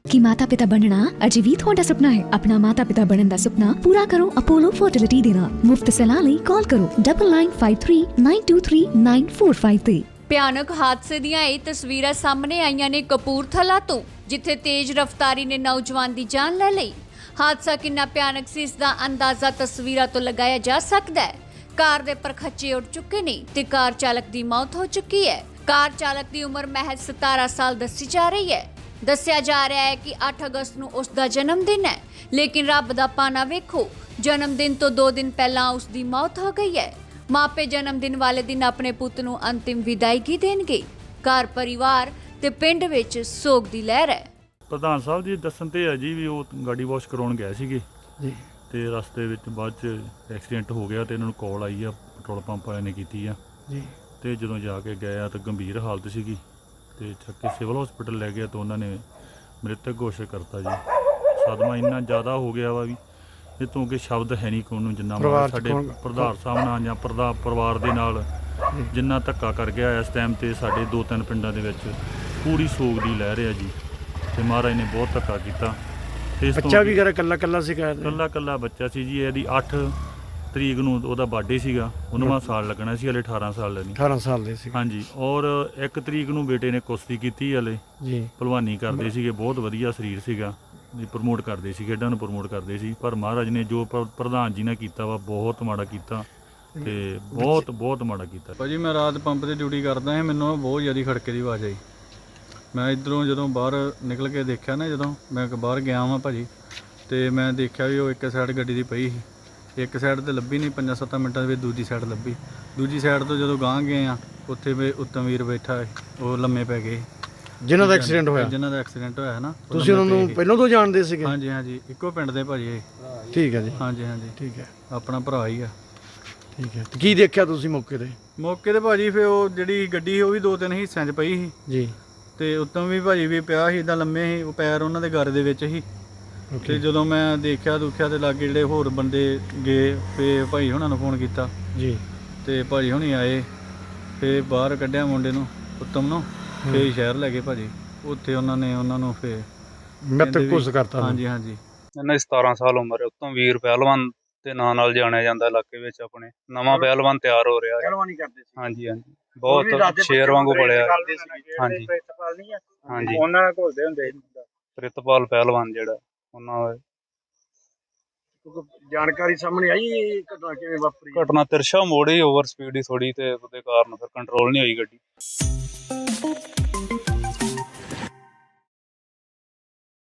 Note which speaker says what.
Speaker 1: कि माता पिता बनना अजे भी तुहाडा सुपना है। अपना माता पिता बनने का सुपना पूरा करो अपोलो फर्टिलिटी दे नाल। मुफ्त सलाह लई कॉल करो 9953923945 ਤੇ।
Speaker 2: ਭਿਆਨਕ ਹਾਦਸੇ ਦੀਆਂ ਇਹ ਤਸਵੀਰਾਂ ਸਾਹਮਣੇ ਆਈਆਂ ਨੇ ਕਪੂਰਥਲਾ ਤੋਂ, ਜਿੱਥੇ ਤੇਜ਼ ਰਫ਼ਤਾਰੀ ਨੇ ਨੌਜਵਾਨ ਦੀ ਜਾਨ ਲੈ ਲਈ। ਹਾਦਸਾ ਕਿੰਨਾ ਭਿਆਨਕ ਸੀ, ਇਸ ਦਾ ਅੰਦਾਜ਼ਾ ਤਸਵੀਰਾਂ ਤੋਂ ਲਗਾਇਆ ਜਾ ਸਕਦਾ ਹੈ। ਕਾਰ ਦੇ ਪਰਖੱਚੇ ਉੱਡ ਚੁੱਕੇ ਨੇ ਤੇ ਕਾਰ ਚਾਲਕ ਦੀ ਮੌਤ ਹੋ ਚੁੱਕੀ ਹੈ। ਕਾਰ ਚਾਲਕ ਦੀ ਉਮਰ ਮਹਿਜ਼ 17 ਸਾਲ ਦੱਸੀ ਜਾ ਰਹੀ ਹੈ। ਦੱਸਿਆ ਜਾ ਰਿਹਾ ਹੈ ਕਿ 8 ਅਗਸਤ ਨੂੰ ਉਸ ਦਾ ਜਨਮ ਦਿਨ ਹੈ, ਲੇਕਿਨ ਰੱਬ ਦਾ ਪਾਣਾ ਵੇਖੋ, ਜਨਮ ਦਿਨ ਤੋਂ 2 ਦਿਨ ਪਹਿਲਾਂ ਉਸ ਦੀ ਮੌਤ ਹੋ ਗਈ ਹੈ। ਮਾਪੇ ਜਨਮ ਦਿਨ ਵਾਲੇ ਦਿਨ ਆਪਣੇ ਪੁੱਤ ਨੂੰ ਅੰਤਿਮ ਵਿਦਾਇਗੀ ਦੇਣਗੇ। ਘਰ ਪਰਿਵਾਰ ਤੇ ਪਿੰਡ ਵਿੱਚ ਸੋਗ ਦੀ ਲਹਿਰ ਹੈ।
Speaker 3: ਪ੍ਰਧਾਨ ਸਾਹਿਬ ਜੀ ਦੱਸਣ ਤੇ ਹੈ ਜੀ ਵੀ ਉਹ ਗਾੜੀ ਵਾਸ਼ ਕਰਾਉਣ ਗਏ ਸੀਗੇ
Speaker 4: ਜੀ,
Speaker 3: ਤੇ ਰਸਤੇ ਵਿੱਚ ਬਾਅਦ ਚ ਐਕਸੀਡੈਂਟ ਹੋ ਗਿਆ ਤੇ ਇਹਨਾਂ ਨੂੰ ਕਾਲ ਆਈ ਆ, ਪੈਟਰੋਲ ਪੰਪ ਵਾਲਿਆਂ ਨੇ ਕੀਤੀ ਆ
Speaker 4: ਜੀ,
Speaker 3: ਤੇ ਜਦੋਂ ਜਾ ਕੇ ਗਏ ਆ ਤਾਂ ਗੰਭੀਰ ਹਾਲਤ ਸੀਗੀ ਤੇ ਚੱਕ ਕੇ ਸਿਵਲ ਹਸਪੀਟਲ ਲੈ ਗਿਆ ਤਾਂ ਉਹਨਾਂ ਨੇ ਮ੍ਰਿਤਕ ਘੋਸ਼ਿਤ ਕਰਤਾ ਜੀ। ਸਦਮਾ ਇੰਨਾ ਜ਼ਿਆਦਾ ਹੋ ਗਿਆ ਵਾ ਵੀ ਇਹ ਤੋਂ ਅੱਗੇ ਸ਼ਬਦ ਹੈ ਨਹੀਂ ਕੋਈ ਨੂੰ, ਜਿੰਨਾ ਸਾਡੇ ਪ੍ਰਧਾਨ ਸਾਹਿਬ ਨਾਲ ਜਾਂ ਪਰਿਵਾਰ ਦੇ ਨਾਲ ਜਿੰਨਾ ਧੱਕਾ ਕਰ ਗਿਆ ਇਸ ਟਾਈਮ ਤੇ ਸਾਡੇ 2-3 ਪਿੰਡਾਂ ਦੇ ਵਿੱਚ ਪੂਰੀ ਸੋਗ ਦੀ ਲਹਿਰ ਹੈ ਜੀ। ਤੇ ਮਹਾਰਾਜ ਨੇ ਬਹੁਤ ਧੱਕਾ ਕੀਤਾ। ਤੇ ਇਸ
Speaker 4: ਬੱਚਾ ਵੀ ਘਰ ਕੱਲਾ ਸੀ,
Speaker 3: ਕੱਲਾ ਬੱਚਾ ਸੀ ਜੀ। ਇਹਦੀ 8 ਤਰੀਕ ਨੂੰ ਉਹਦਾ ਬਰਥਡੇ ਸੀਗਾ, 19ਵਾਂ ਸਾਲ ਲੱਗਣਾ ਸੀ, ਹਲੇ 18 ਸਾਲ ਨਹੀਂ,
Speaker 4: 18 ਸਾਲ ਦੇ ਸੀ।
Speaker 3: ਹਾਂਜੀ, ਔਰ 1 ਤਰੀਕ ਨੂੰ ਬੇਟੇ ਨੇ ਕੁਸ਼ਤੀ ਕੀਤੀ, ਹਲੇ
Speaker 4: ਜੀ
Speaker 3: ਭਲਵਾਨੀ ਕਰਦੇ ਸੀਗੇ, ਬਹੁਤ ਵਧੀਆ ਸਰੀਰ ਸੀਗਾ ਜੀ, ਪ੍ਰਮੋਟ ਕਰਦੇ ਸੀ, ਖੇਡਾਂ ਨੂੰ ਪ੍ਰਮੋਟ ਕਰਦੇ ਸੀ। ਪਰ ਮਹਾਰਾਜ ਨੇ ਜੋ ਪ੍ਰਧਾਨ ਜੀ ਨੇ ਕੀਤਾ ਵਾ ਬਹੁਤ ਮਾੜਾ ਕੀਤਾ ਤੇ ਬਹੁਤ ਮਾੜਾ ਕੀਤਾ।
Speaker 5: ਭਾਜੀ ਮੈਂ ਰਾਤ ਪੰਪ ਤੇ ਡਿਊਟੀ ਕਰਦਾ ਸੀ, ਮੈਨੂੰ ਬਹੁਤ ਜ਼ਿਆਦਾ ਖੜਕੇ ਦੀ ਆਵਾਜ਼ ਆਈ। ਮੈਂ ਇੱਧਰੋਂ ਜਦੋਂ ਬਾਹਰ ਨਿਕਲ ਕੇ ਦੇਖਿਆ ਨਾ, ਜਦੋਂ ਮੈਂ ਬਾਹਰ ਗਿਆ ਵਾਂ ਭਾਜੀ, ਤੇ ਮੈਂ ਦੇਖਿਆ ਵੀ ਉਹ ਇੱਕ ਸਾਈਡ ਗੱਡੀ ਦੀ ਪਈ ਸੀ, ਇੱਕ ਸਾਈਡ ਤੇ ਲੱਭੀ ਨਹੀਂ, 5-7 ਮਿੰਟਾਂ ਦੇ ਵਿੱਚ ਦੂਜੀ ਸਾਈਡ ਲੱਭੀ। ਦੂਜੀ ਸਾਈਡ ਤੋਂ ਜਦੋਂ ਗਾਂਹ ਗਏ ਆ, ਉੱਥੇ ਵੀ ਉੱਤਮ ਵੀਰ ਬੈਠਾ ਹੈ, ਉਹ ਲੰਮੇ ਪੈ ਗਏ
Speaker 4: ਜਿਨ੍ਹਾਂ ਦਾ ਐਕਸੀਡੈਂਟ ਹੋਇਆ।
Speaker 5: ਜਿਨ੍ਹਾਂ ਦਾ ਐਕਸੀਡੈਂਟ ਹੋਇਆ ਨਾ,
Speaker 4: ਤੁਸੀਂ ਉਹਨਾਂ ਨੂੰ ਪਹਿਲਾਂ ਤੋਂ ਜਾਣਦੇ ਸੀਗੇ?
Speaker 5: ਹਾਂਜੀ ਹਾਂਜੀ, ਇੱਕੋ ਪਿੰਡ ਦੇ ਭਾਜੀ ਇਹ।
Speaker 4: ਠੀਕ ਹੈ ਜੀ,
Speaker 5: ਹਾਂਜੀ ਹਾਂਜੀ,
Speaker 4: ਠੀਕ ਹੈ,
Speaker 5: ਆਪਣਾ ਭਰਾ ਹੀ ਆ।
Speaker 4: ਠੀਕ ਹੈ। ਤੇ ਕੀ ਦੇਖਿਆ ਤੁਸੀਂ ਮੌਕੇ ਤੇ?
Speaker 5: ਮੌਕੇ ਤੇ ਭਾਜੀ ਫਿਰ ਉਹ ਜਿਹੜੀ ਗੱਡੀ ਉਹ ਵੀ 2-3 ਹਿੱਸਿਆਂ 'ਚ ਪਈ ਸੀ
Speaker 4: ਜੀ,
Speaker 5: ਤੇ ਉੱਤੋਂ ਵੀ ਭਾਜੀ ਵੀ ਪਿਆ ਸੀ, ਇੱਦਾਂ ਲੰਮੇ ਸੀ, ਉਹ ਪੈਰ ਉਹਨਾਂ ਦੇ ਗਾਰੇ ਦੇ ਵਿੱਚ ਸੀ। ਤੇ ਜਦੋਂ ਮੈਂ ਦੇਖਿਆ ਦੁਖਿਆ ਤੇ ਲਾਗੇ ਜਿਹੜੇ ਹੋਰ ਬੰਦੇ ਗਏ, ਫੇ ਭਾਈ ਹੁਣਾਂ ਨੂੰ ਫੋਨ ਕੀਤਾ
Speaker 4: ਜੀ, ਤੇ
Speaker 5: ਭਾਜੀ ਹੁਣੀ ਆਏ, ਫੇ ਬਾਹਰ ਕੱਢਿਆ ਮੁੰਡੇ ਨੂੰ, ਉੱਤਮ ਨੂੰ, ਫੇ ਸ਼ਹਿਰ ਲੈ ਗਏ ਭਾਜੀ। ਉੱਥੇ ਉਹਨਾਂ ਨੂੰ ਫੇ
Speaker 4: ਮ੍ਰਿਤਕ ਘੋਸ਼ਿਤ ਕਰਤਾ।
Speaker 5: ਹਾਂਜੀ ਹਾਂਜੀ।
Speaker 6: ਇਹਨਾਂ ਦੀ 17 ਸਾਲ ਉਮਰ ਹੈ। ਉੱਤੋਂ ਵੀਰ ਪਹਿਲਵਾਨ ਦੇ ਨਾਂ ਨਾਲ ਜਾਣਿਆ ਜਾਂਦਾ ਇਲਾਕੇ ਵਿੱਚ। ਆਪਣੇ ਨਵਾਂ ਪਹਿਲਵਾਨ ਤਿਆਰ ਹੋ ਰਿਹਾ ਹੈ।
Speaker 4: ਪਹਿਲਵਾਨੀ ਕਰਦੇ ਸੀ।
Speaker 6: ਹਾਂਜੀ ਹਾਂਜੀ, ਬਹੁਤ ਸ਼ੇਰ ਵਾਂਗੂ ਬੜਿਆ। ਹਾਂਜੀ ਹਾਂਜੀ,
Speaker 4: ਉਹਨਾਂ ਨਾਲ ਘੁਲਦੇ ਹੁੰਦੇ ਸੀ।
Speaker 6: ਪ੍ਰਿਤਪਾਲ ਪਹਿਲਵਾਨ ਜਿਹੜਾ ਉਹਨਾਂ ਦਾ
Speaker 4: ਜਾਣਕਾਰੀ ਸਾਹਮਣੇ ਆਈ ਘਟਨਾ ਕਿਵੇਂ ਵਾਪਰੀ?
Speaker 6: ਘਟਨਾ ਤਿਰਸ਼ਾ ਮੋੜੀ, ਓਵਰ ਸਪੀਡ ਹੀ ਥੋੜੀ ਤੇ ਉਹਦੇ ਕਾਰਨ ਫਿਰ ਕੰਟਰੋਲ ਨਹੀਂ ਹੋਈ ਗੱਡੀ।